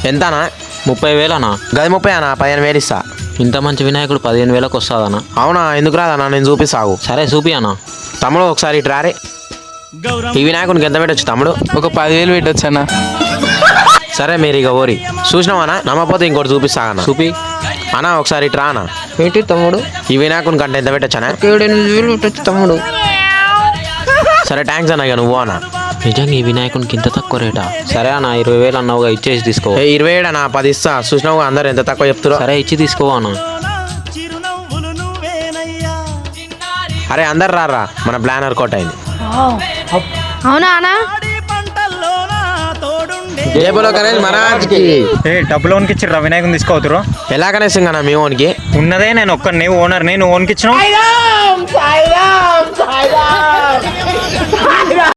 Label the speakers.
Speaker 1: ఎంతనా?
Speaker 2: 30,000 అన్న.
Speaker 1: గది 30 అన్న, 15,000 ఇస్తా.
Speaker 2: ఇంత మంచి వినాయకుడు 15,000కి వస్తుందన్న.
Speaker 1: అవునా? ఎందుకు రాదన్నా, నేను చూపిస్తాగు.
Speaker 2: సరే చూపి అన్న.
Speaker 1: తమ్ముడు ఒకసారి ఇటు రారే. ఈ వినాయకునికి ఎంత పెట్టచ్చు తమ్ముడు?
Speaker 3: ఒక 10,000 పెట్టచ్చు అన్న.
Speaker 1: సరే మీరు ఇక ఓరి చూసినావా? నమ్మపోతే ఇంకోటి చూపిస్తా అన్న.
Speaker 2: చూపి
Speaker 1: అన్న ఒకసారి ఇటు రా అన్న.
Speaker 3: ఏంటి తమ్ముడు?
Speaker 1: ఈ వినాయకుని కంటే ఎంత పెట్టచ్చనా?
Speaker 3: 7,000 పెట్టచ్చు తమ్ముడు.
Speaker 1: సరే థ్యాంక్స్ అన్న, ఇక నువ్వు అన్న.
Speaker 2: నిజంగా ఈ వినాయకునికి ఇంత తక్కువ రేటా? సరే అన్న 20,000 అన్నావుగా, ఇచ్చేసి తీసుకో.
Speaker 1: 27 అన్న, 10 ఇస్తా. చూసినావు అందరు ఎంత తక్కువ చెప్తారో.
Speaker 2: సరే ఇచ్చి తీసుకో అన్న.
Speaker 1: అరే అందరు రారా, మన ప్లాన్ వర్కౌట్ అయింది.
Speaker 4: అవునా అన్నా?
Speaker 1: జై బోలో గణేష్ మహారాజ్కి.
Speaker 5: డబ్బులు ఓన్కి ఇచ్చిర్రా వినాయకుని తీసుకోవతురు?
Speaker 1: ఎలా గణేష్ అన్న మీ ఓన్కి?
Speaker 5: ఉన్నదే నేను ఒక్కడిని ఓనర్ని, నువ్వు ఓన్కి ఇచ్చినావు.